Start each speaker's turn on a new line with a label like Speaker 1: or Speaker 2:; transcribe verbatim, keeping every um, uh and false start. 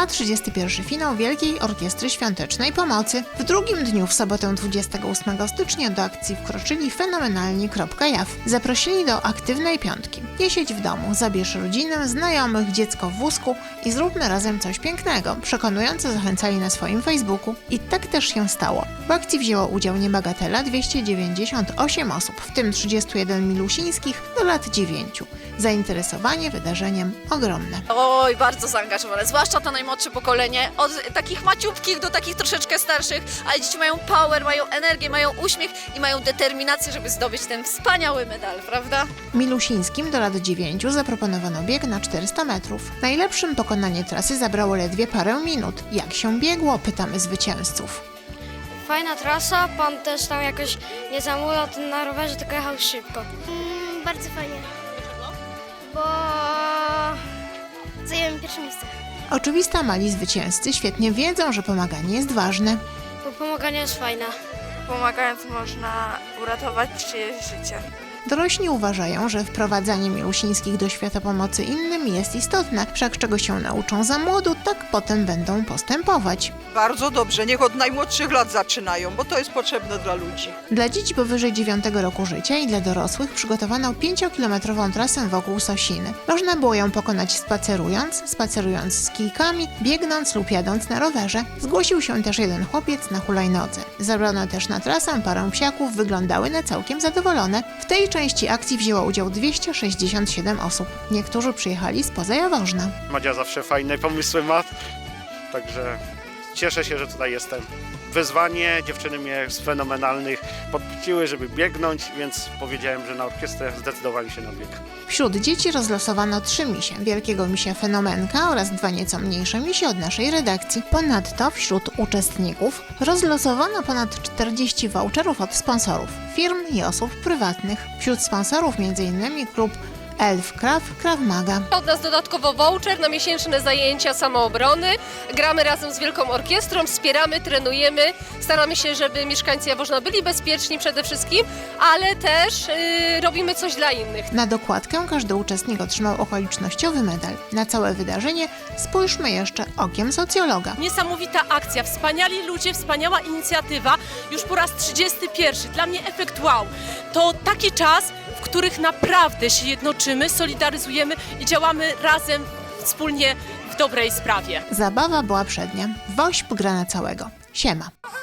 Speaker 1: trwa trzydziesty pierwszy finał Wielkiej Orkiestry Świątecznej Pomocy. W drugim dniu, w sobotę dwudziestego ósmego stycznia, do akcji wkroczyli fenomenalni kropka jaw. Zaprosili do aktywnej piątki. Nie siedź w domu, zabierz rodzinę, znajomych, dziecko w wózku i zróbmy razem coś pięknego. Przekonująco zachęcali na swoim Facebooku. I tak też się stało. W akcji wzięło udział niebagatela dwieście dziewięćdziesiąt osiem osób, w tym trzydziestu jeden milusińskich do lat dziewięciu. Zainteresowanie wydarzeniem ogromne.
Speaker 2: Oj, bardzo zaangażowane, zwłaszcza to najmłodsze pokolenie, od takich maciupkich do takich troszeczkę starszych, ale dzieci mają power, mają energię, mają uśmiech i mają determinację, żeby zdobyć ten wspaniały medal, prawda?
Speaker 1: Milusińskim do lat dziewięciu zaproponowano bieg na czterysta metrów. Najlepszym pokonanie trasy zabrało ledwie parę minut. Jak się biegło? Pytamy zwycięzców.
Speaker 3: Fajna trasa, pan też tam jakoś nie zamulał ten na rowerze, tylko jechał szybko.
Speaker 4: Mm, bardzo fajnie. Bo zajęłem pierwsze miejsce.
Speaker 1: Oczywista mali zwycięzcy świetnie wiedzą, że pomaganie jest ważne.
Speaker 3: Bo pomaganie jest fajne.
Speaker 5: Pomagając można uratować czyjeś życie.
Speaker 1: Dorośli uważają, że wprowadzanie milusińskich do świata pomocy innym jest istotne, wszak czego się nauczą za młodu, tak potem będą postępować.
Speaker 6: Bardzo dobrze, niech od najmłodszych lat zaczynają, bo to jest potrzebne dla ludzi.
Speaker 1: Dla dzieci powyżej dziewiątego roku życia i dla dorosłych przygotowano pięciokilometrową trasę wokół Sosiny. Można było ją pokonać spacerując, spacerując z kijkami, biegnąc lub jadąc na rowerze. Zgłosił się też jeden chłopiec na hulajnodze. Zabrano też na trasę parę psiaków, wyglądały na całkiem zadowolone. W tej części akcji wzięło udział dwieście sześćdziesiąt siedem osób. Niektórzy przyjechali spoza Jaworzna.
Speaker 7: Madzia zawsze fajne pomysły ma, także cieszę się, że tutaj jestem. Wyzwanie, dziewczyny mnie z fenomenalnych podpuściły, żeby biegnąć, więc powiedziałem, że na orkiestrę zdecydowali się na bieg.
Speaker 1: Wśród dzieci rozlosowano trzy misie. Wielkiego misia Fenomenka oraz dwa nieco mniejsze misie od naszej redakcji. Ponadto wśród uczestników rozlosowano ponad czterdzieści voucherów od sponsorów, firm i osób prywatnych. Wśród sponsorów m.in. klub Elf Krav, Krav Maga.
Speaker 8: Od nas dodatkowo voucher na miesięczne zajęcia samoobrony. Gramy razem z Wielką Orkiestrą, wspieramy, trenujemy. Staramy się, żeby mieszkańcy Jaworzna byli bezpieczni przede wszystkim, ale też yy, robimy coś dla innych.
Speaker 1: Na dokładkę każdy uczestnik otrzymał okolicznościowy medal. Na całe wydarzenie spójrzmy jeszcze okiem socjologa.
Speaker 9: Niesamowita akcja, wspaniali ludzie, wspaniała inicjatywa. Już po raz trzydziesty pierwszy. Dla mnie efekt wow. To taki czas, w których naprawdę się jednoczymy, solidaryzujemy i działamy razem, wspólnie w dobrej sprawie.
Speaker 1: Zabawa była przednia. Wośp gra na całego. Siema.